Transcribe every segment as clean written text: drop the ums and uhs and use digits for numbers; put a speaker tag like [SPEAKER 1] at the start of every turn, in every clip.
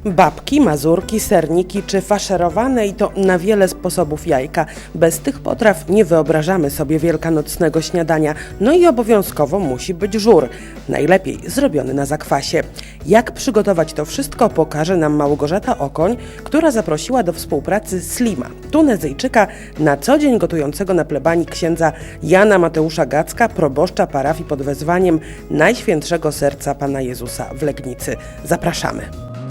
[SPEAKER 1] Babki, mazurki, serniki czy faszerowane i to na wiele sposobów jajka. Bez tych potraw nie wyobrażamy sobie wielkanocnego śniadania. No i obowiązkowo musi być żur. Najlepiej zrobiony na zakwasie. Jak przygotować to wszystko, pokaże nam Małgorzata Okoń, która zaprosiła do współpracy Slima, Tunezyjczyka, na co dzień gotującego na plebanii księdza Jana Mateusza Gacka, proboszcza parafii pod wezwaniem Najświętszego Serca Pana Jezusa w Legnicy. Zapraszamy.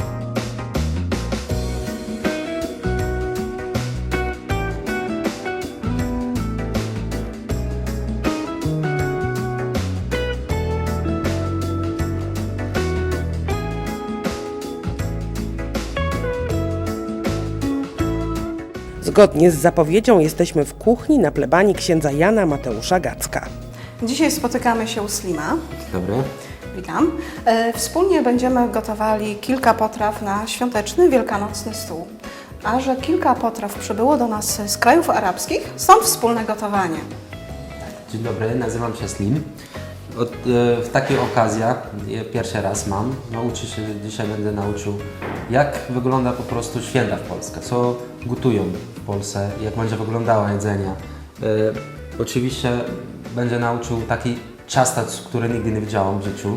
[SPEAKER 1] Zgodnie z zapowiedzią jesteśmy w kuchni na plebanii księdza Jana Mateusza Gacka.
[SPEAKER 2] Dzisiaj spotykamy się u Slima.
[SPEAKER 3] Dobry.
[SPEAKER 2] Witam. Wspólnie będziemy gotowali kilka potraw na świąteczny, wielkanocny stół. A że kilka potraw przybyło do nas z krajów arabskich, stąd wspólne gotowanie.
[SPEAKER 3] Dzień dobry, nazywam się Slim. W takich okazjach pierwszy raz mam. Dzisiaj będę nauczył, jak wygląda po prostu święta w Polsce, co gotują w Polsce, jak będzie wyglądało jedzenie. Oczywiście będę nauczył taki ciasta, które nigdy nie widziałam w życiu.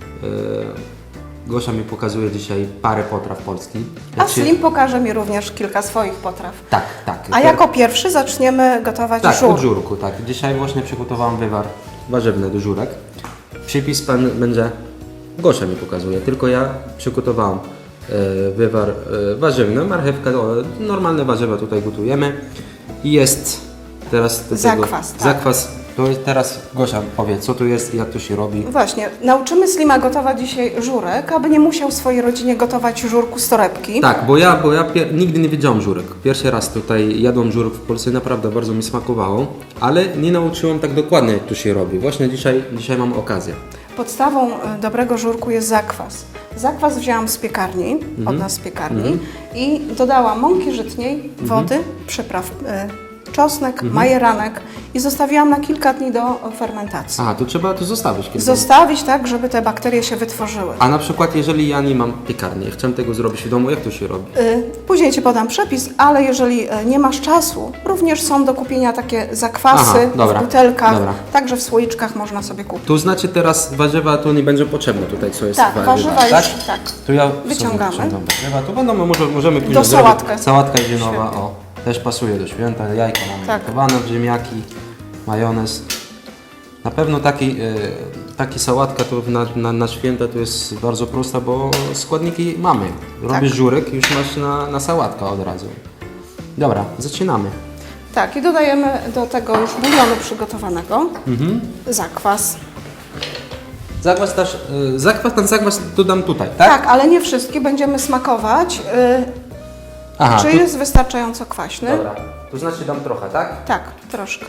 [SPEAKER 3] Gosia mi pokazuje dzisiaj parę potraw polskich.
[SPEAKER 2] A Slim pokaże mi również kilka swoich potraw.
[SPEAKER 3] Tak.
[SPEAKER 2] A jako pierwszy zaczniemy gotować żur.
[SPEAKER 3] Od żurku, tak. Dzisiaj właśnie przygotowałam wywar warzywny do żurek. Przepis pan będzie, Gosia mi pokazuje, tylko ja przygotowałam wywar warzywny, marchewka, normalne warzywa tutaj gotujemy. I jest teraz do
[SPEAKER 2] zakwas.
[SPEAKER 3] Tego, zakwas. To jest teraz Gosia powie, co tu jest i jak to się robi.
[SPEAKER 2] Właśnie, nauczymy Slima gotować dzisiaj żurek, aby nie musiał w swojej rodzinie gotować żurku z torebki.
[SPEAKER 3] Tak, bo ja nigdy nie wiedziałam żurek. Pierwszy raz tutaj jadłam żurek w Polsce, naprawdę bardzo mi smakowało, ale nie nauczyłam tak dokładnie, jak to się robi. Właśnie dzisiaj mam okazję.
[SPEAKER 2] Podstawą dobrego żurku jest zakwas. Zakwas wzięłam z piekarni, od nas z piekarni i dodałam mąki żytniej, wody, przypraw, czosnek, majeranek i zostawiłam na kilka dni do fermentacji.
[SPEAKER 3] Aha, to trzeba to zostawić.
[SPEAKER 2] Zostawić tak, żeby te bakterie się wytworzyły.
[SPEAKER 3] A na przykład, jeżeli ja nie mam piekarni, chcę tego zrobić w domu, jak to się robi?
[SPEAKER 2] Później Ci podam przepis, ale jeżeli nie masz czasu, również są do kupienia takie zakwasy w butelkach, także w słoiczkach można sobie kupić.
[SPEAKER 3] To znaczy teraz warzywa to nie będzie potrzebne tutaj, co jest
[SPEAKER 2] tak, warzywa już tak.
[SPEAKER 3] To ja
[SPEAKER 2] wyciągamy.
[SPEAKER 3] Warzywa, to będą, możemy później
[SPEAKER 2] do sałatkę.
[SPEAKER 3] Sałatka zimowa, też pasuje do święta, jajka mamy gotowane, ziemniaki, majonez. Na pewno taki sałatka to na święta to jest bardzo prosta, bo składniki mamy. Robisz żurek i już masz na sałatkę od razu. Dobra, zaczynamy.
[SPEAKER 2] Tak, i dodajemy do tego już bulionu przygotowanego zakwas.
[SPEAKER 3] Zakwas dodam tutaj, tak?
[SPEAKER 2] Tak, ale nie wszystkie, będziemy smakować. Czy jest wystarczająco kwaśny?
[SPEAKER 3] Dobra, to znaczy dam trochę, tak?
[SPEAKER 2] Tak, troszkę.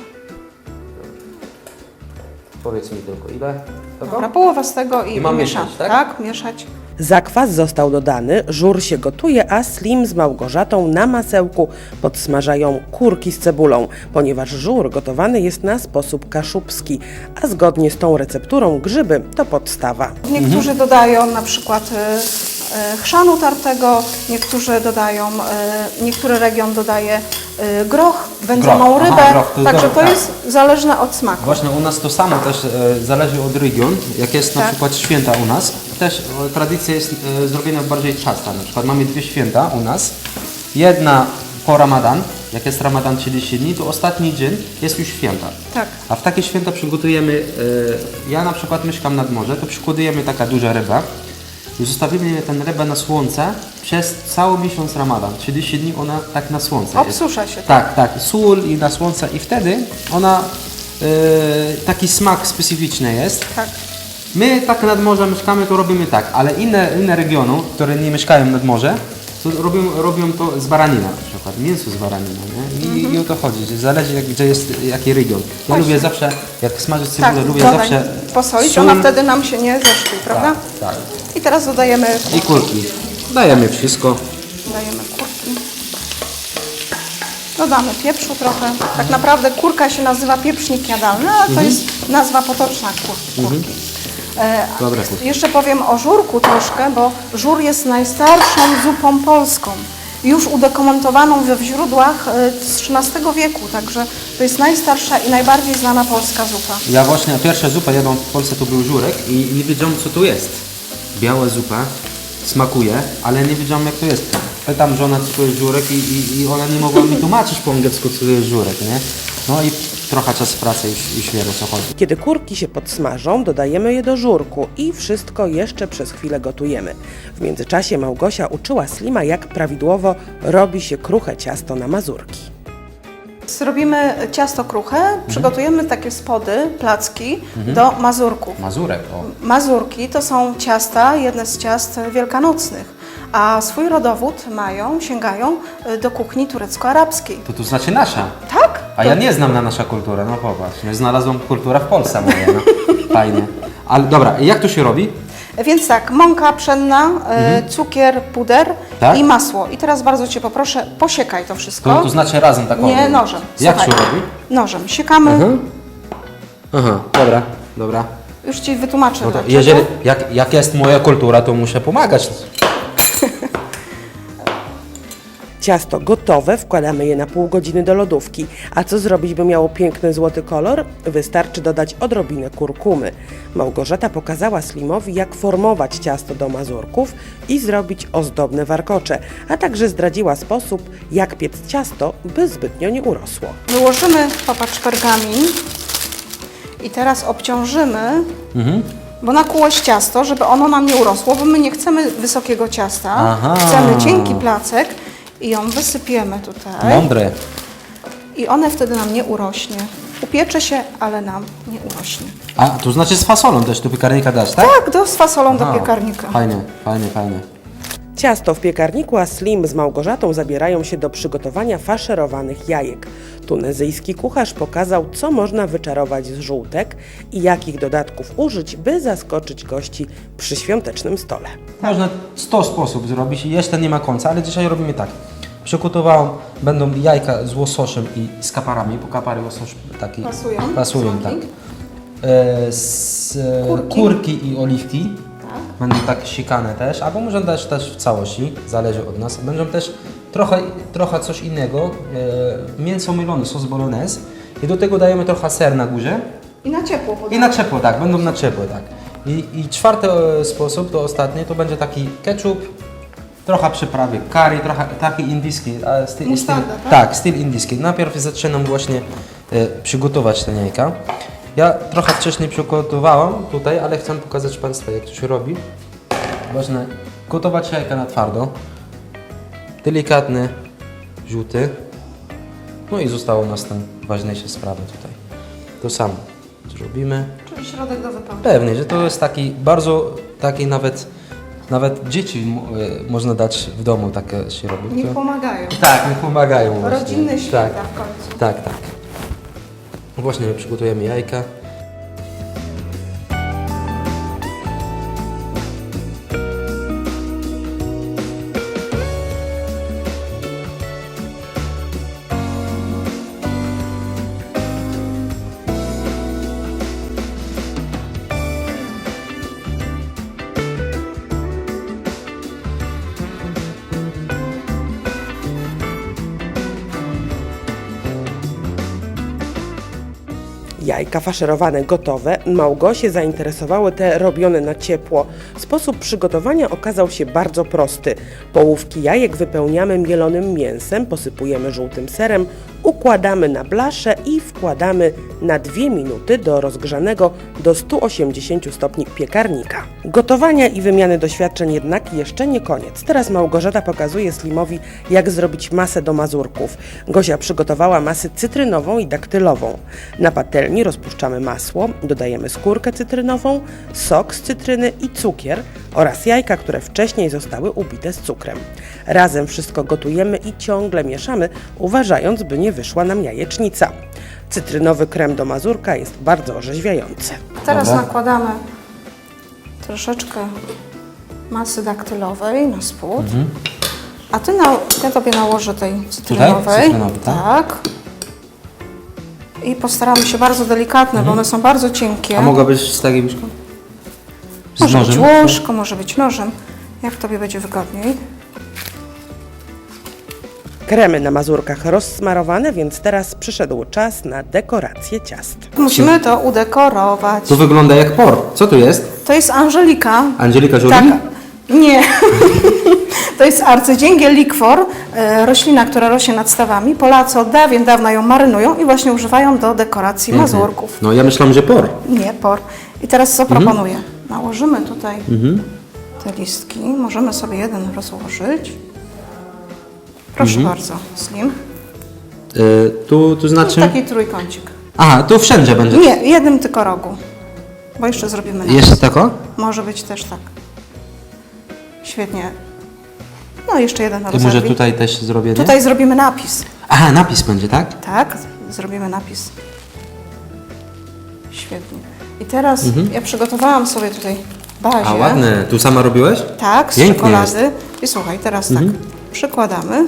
[SPEAKER 3] Powiedz mi tylko ile?
[SPEAKER 2] Dobra, połowa z tego i
[SPEAKER 3] mam
[SPEAKER 2] mieszać,
[SPEAKER 3] mieszać, tak?
[SPEAKER 2] Tak, mieszać.
[SPEAKER 1] Zakwas został dodany, żur się gotuje, a Slim z Małgorzatą na masełku podsmażają kurki z cebulą, ponieważ żur gotowany jest na sposób kaszubski, a zgodnie z tą recepturą grzyby to podstawa.
[SPEAKER 2] Niektórzy dodają na przykład chrzanu tartego, niektórzy dodają, niektóry region dodaje groch, wędzoną rybę, także to jest zależne od smaku.
[SPEAKER 3] Właśnie u nas to samo też zależy od regionu, jak jest na przykład święta u nas, też tradycja jest zrobiona bardziej ciasta, na przykład mamy dwie święta u nas, jedna po Ramadan, jak jest Ramadan 30 dni, to ostatni dzień jest już święta.
[SPEAKER 2] Tak.
[SPEAKER 3] A w takie święta przygotujemy, ja na przykład mieszkam nad morze, to przygotujemy taka duża ryba, i zostawimy tę rybę na słońce przez cały miesiąc Ramadan. 30 dni ona tak na słońce
[SPEAKER 2] obsusza
[SPEAKER 3] jest.
[SPEAKER 2] się.
[SPEAKER 3] Tak, sól i na słońce i wtedy ona taki smak specyficzny jest.
[SPEAKER 2] Tak.
[SPEAKER 3] My tak nad morzem mieszkamy, to robimy tak, ale inne regiony, które nie mieszkają nad morze, to robią to z baranina na przykład, mięso z baranina, nie? I o to chodzi, że zależy gdzie jest jaki region. Ja lubię zawsze, jak smażyć cebulę, lubię zawsze
[SPEAKER 2] posolić,
[SPEAKER 3] sól.
[SPEAKER 2] ona wtedy nam się nie zeszkli, prawda?
[SPEAKER 3] Tak.
[SPEAKER 2] I teraz dodajemy
[SPEAKER 3] I kurki. Dajemy wszystko.
[SPEAKER 2] Dajemy kurki. Dodamy pieprzu trochę. Tak naprawdę kurka się nazywa pieprznik jadalny, ale to jest nazwa potoczna kurki.
[SPEAKER 3] Dobre chustki.
[SPEAKER 2] Jeszcze powiem o żurku troszkę, bo żur jest najstarszą zupą polską. Już udokumentowaną we źródłach z XIII wieku, także to jest najstarsza i najbardziej znana polska zupa.
[SPEAKER 3] Ja właśnie pierwsza zupa jadłam w Polsce to był żurek i nie wiedziałem co to jest. Biała zupa, smakuje, ale nie wiedziałem jak to jest. Pytam żonę co to jest żurek i ona nie mogła mi tłumaczyć po angielsku co to jest żurek, nie? No i trochę czas pracy już wiem o co chodzi.
[SPEAKER 1] Kiedy kurki się podsmażą, dodajemy je do żurku i wszystko jeszcze przez chwilę gotujemy. W międzyczasie Małgosia uczyła Slima, jak prawidłowo robi się kruche ciasto na mazurki.
[SPEAKER 2] Zrobimy ciasto kruche, przygotujemy takie spody, placki do mazurków.
[SPEAKER 3] Mazurek, o.
[SPEAKER 2] Mazurki to są ciasta, jedne z ciast wielkanocnych, a swój rodowód sięgają do kuchni turecko-arabskiej.
[SPEAKER 3] To znaczy nasza.
[SPEAKER 2] Tak?
[SPEAKER 3] A ja nie znam na nasza kultura, no popatrz. Nie znalazłam kultura w Polsce moja, no. Fajnie. Ale dobra, jak to się robi?
[SPEAKER 2] Więc tak, mąka pszenna, cukier, puder
[SPEAKER 3] Tak?
[SPEAKER 2] i masło. I teraz bardzo Cię poproszę, posiekaj to wszystko.
[SPEAKER 3] To znaczy razem tak
[SPEAKER 2] Nie,
[SPEAKER 3] robię.
[SPEAKER 2] nożem.
[SPEAKER 3] Jak się
[SPEAKER 2] Słuchaj.
[SPEAKER 3] robi?
[SPEAKER 2] Nożem. Siekamy.
[SPEAKER 3] Aha, dobra.
[SPEAKER 2] Już Ci wytłumaczę.
[SPEAKER 3] No to
[SPEAKER 2] dlaczego.
[SPEAKER 3] jeżeli, jak jest moja kultura, to muszę pomagać.
[SPEAKER 1] Ciasto gotowe, wkładamy je na pół godziny do lodówki. A co zrobić, by miało piękny złoty kolor? Wystarczy dodać odrobinę kurkumy. Małgorzata pokazała Slimowi, jak formować ciasto do mazurków i zrobić ozdobne warkocze, a także zdradziła sposób, jak piec ciasto, by zbytnio nie urosło.
[SPEAKER 2] Wyłożymy, popatrz, pergamin i teraz obciążymy, bo nakłułeś ciasto, żeby ono nam nie urosło, bo my nie chcemy wysokiego ciasta,
[SPEAKER 3] Aha.
[SPEAKER 2] chcemy cienki placek i ją wysypiemy tutaj.
[SPEAKER 3] Mądre.
[SPEAKER 2] I one wtedy nam nie urośnie. Upiecze się, ale nam nie urośnie.
[SPEAKER 3] A, to znaczy z fasolą też do piekarnika dać, tak?
[SPEAKER 2] Tak, z fasolą do
[SPEAKER 3] Aha.
[SPEAKER 2] piekarnika.
[SPEAKER 3] Fajnie.
[SPEAKER 1] Ciasto w piekarniku, a Slim z Małgorzatą zabierają się do przygotowania faszerowanych jajek. Tunezyjski kucharz pokazał, co można wyczarować z żółtek i jakich dodatków użyć, by zaskoczyć gości przy świątecznym stole.
[SPEAKER 3] Można 100 sposobów zrobić i jeszcze nie ma końca, ale dzisiaj robimy tak. Przygotowałem, będą jajka z łososiem i z kaparami, bo kapary łosoś taki
[SPEAKER 2] Pasują,
[SPEAKER 3] tak.
[SPEAKER 2] słodki.
[SPEAKER 3] Kurki i oliwki.
[SPEAKER 2] Tak.
[SPEAKER 3] Będą tak sikane też, albo można dać też w całości, zależy od nas. Będą też trochę coś innego, mięso mylone, sos bolognese i do tego dajemy trochę ser na górze.
[SPEAKER 2] I na ciepło
[SPEAKER 3] I
[SPEAKER 2] podamy.
[SPEAKER 3] na ciepło, tak, będą na ciepło, tak. I czwarty sposób, to ostatni, to będzie taki ketchup, trochę przyprawy, curry, trochę taki indyjski.
[SPEAKER 2] Musztarda, tak?
[SPEAKER 3] Tak, styl indyjski. Najpierw zaczynam właśnie przygotować te jajka. Ja trochę wcześniej przygotowałam tutaj, ale chcę pokazać Państwu, jak to się robi. Właśnie gotować jajka na twardo. Delikatny, żółty. No i zostało nas tam ważniejsze sprawy tutaj. To samo zrobimy.
[SPEAKER 2] Czyli środek do wypełnienia.
[SPEAKER 3] Pewnie, że to jest taki bardzo, taki nawet dzieci można dać w domu, tak się robi.
[SPEAKER 2] Niech pomagają.
[SPEAKER 3] Tak, niech pomagają właśnie.
[SPEAKER 2] Rodzinne święta
[SPEAKER 3] Tak,
[SPEAKER 2] w końcu.
[SPEAKER 3] tak. Właśnie przygotujemy jajka.
[SPEAKER 1] Jajka faszerowane gotowe, Małgosie zainteresowały te robione na ciepło. Sposób przygotowania okazał się bardzo prosty. Połówki jajek wypełniamy mielonym mięsem, posypujemy żółtym serem, układamy na blaszę i wkładamy na 2 minuty do rozgrzanego do 180 stopni piekarnika. Gotowania i wymiany doświadczeń jednak jeszcze nie koniec. Teraz Małgorzata pokazuje Slimowi, jak zrobić masę do mazurków. Gosia przygotowała masę cytrynową i daktylową. Na patelni rozpuszczamy masło, dodajemy skórkę cytrynową, sok z cytryny i cukier oraz jajka, które wcześniej zostały ubite z cukrem. Razem wszystko gotujemy i ciągle mieszamy, uważając, by nie wyszła nam jajecznica. Cytrynowy krem do mazurka jest bardzo orzeźwiający.
[SPEAKER 2] Teraz
[SPEAKER 3] Dobra.
[SPEAKER 2] nakładamy troszeczkę masy daktylowej na spód. A ja Tobie nałożę tej cytrynowej.
[SPEAKER 3] Cytrynowej, tak?
[SPEAKER 2] Tak. I postaramy się bardzo delikatne, bo one są bardzo cienkie.
[SPEAKER 3] A mogłabyś z takiej łyżką? Z
[SPEAKER 2] Może być
[SPEAKER 3] nożem?
[SPEAKER 2] łożką, może być nożem, jak Tobie będzie wygodniej.
[SPEAKER 1] Kremy na mazurkach rozsmarowane, więc teraz przyszedł czas na dekorację ciast.
[SPEAKER 2] Musimy to udekorować.
[SPEAKER 3] To wygląda jak por. Co tu jest?
[SPEAKER 2] To jest Angelika.
[SPEAKER 3] Angelika Jolie?
[SPEAKER 2] Tak. Nie. To jest arcydzięgiel likwor, roślina, która rośnie nad stawami. Polacy od dawien dawna ją marynują i właśnie używają do dekoracji mazurków.
[SPEAKER 3] No ja myślałem, że por.
[SPEAKER 2] Nie, por. I teraz co proponuję? Nałożymy tutaj te listki. Możemy sobie jeden rozłożyć. Proszę bardzo, Slim.
[SPEAKER 3] Tu znaczy...
[SPEAKER 2] Taki trójkącik.
[SPEAKER 3] Aha, tu wszędzie będzie.
[SPEAKER 2] Nie, jednym tylko rogu. Bo jeszcze zrobimy napis.
[SPEAKER 3] Jeszcze tako?
[SPEAKER 2] Może być też tak. Świetnie. No jeszcze jeden
[SPEAKER 3] To
[SPEAKER 2] rozerwij.
[SPEAKER 3] może tutaj też zrobię, nie?
[SPEAKER 2] Tutaj zrobimy napis.
[SPEAKER 3] Aha, napis będzie, tak?
[SPEAKER 2] Tak, zrobimy napis. Świetnie. I teraz ja przygotowałam sobie tutaj bazię.
[SPEAKER 3] A ładne. Tu sama robiłeś?
[SPEAKER 2] Tak, z
[SPEAKER 3] Pięknie
[SPEAKER 2] czekolady. I słuchaj, teraz tak, przykładamy.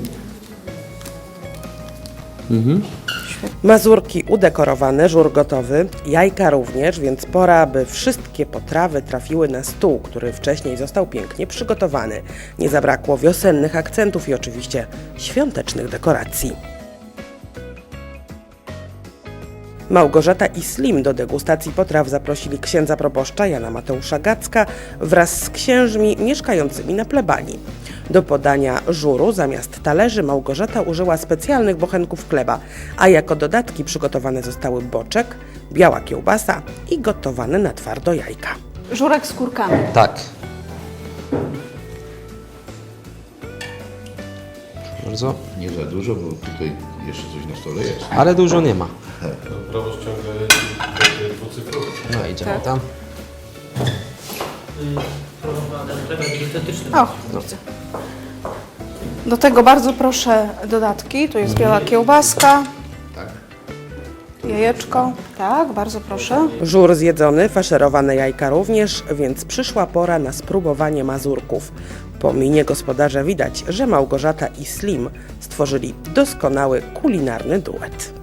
[SPEAKER 1] Mazurki udekorowane, żur gotowy, jajka również, więc pora, by wszystkie potrawy trafiły na stół, który wcześniej został pięknie przygotowany. Nie zabrakło wiosennych akcentów i oczywiście świątecznych dekoracji. Małgorzata i Slim do degustacji potraw zaprosili księdza proboszcza Jana Mateusza Gacka wraz z księżmi mieszkającymi na plebanii. Do podania żuru zamiast talerzy Małgorzata użyła specjalnych bochenków chleba, a jako dodatki przygotowane zostały boczek, biała kiełbasa i gotowane na twardo jajka.
[SPEAKER 2] Żurek z kurkami.
[SPEAKER 3] Tak. Bardzo.
[SPEAKER 4] Nie za dużo, bo tutaj jeszcze coś na stole jest.
[SPEAKER 3] Ale dużo nie ma.
[SPEAKER 4] Proboszcz ciągle dwucyfrowy.
[SPEAKER 3] No idziemy tam.
[SPEAKER 2] O, widzę. Do tego bardzo proszę dodatki. Tu jest biała kiełbaska.
[SPEAKER 4] Tak.
[SPEAKER 2] Jajeczko. Tak, bardzo proszę.
[SPEAKER 1] Żur zjedzony, faszerowane jajka również, więc przyszła pora na spróbowanie mazurków. Po minie gospodarza widać, że Małgorzata i Slim stworzyli doskonały kulinarny duet.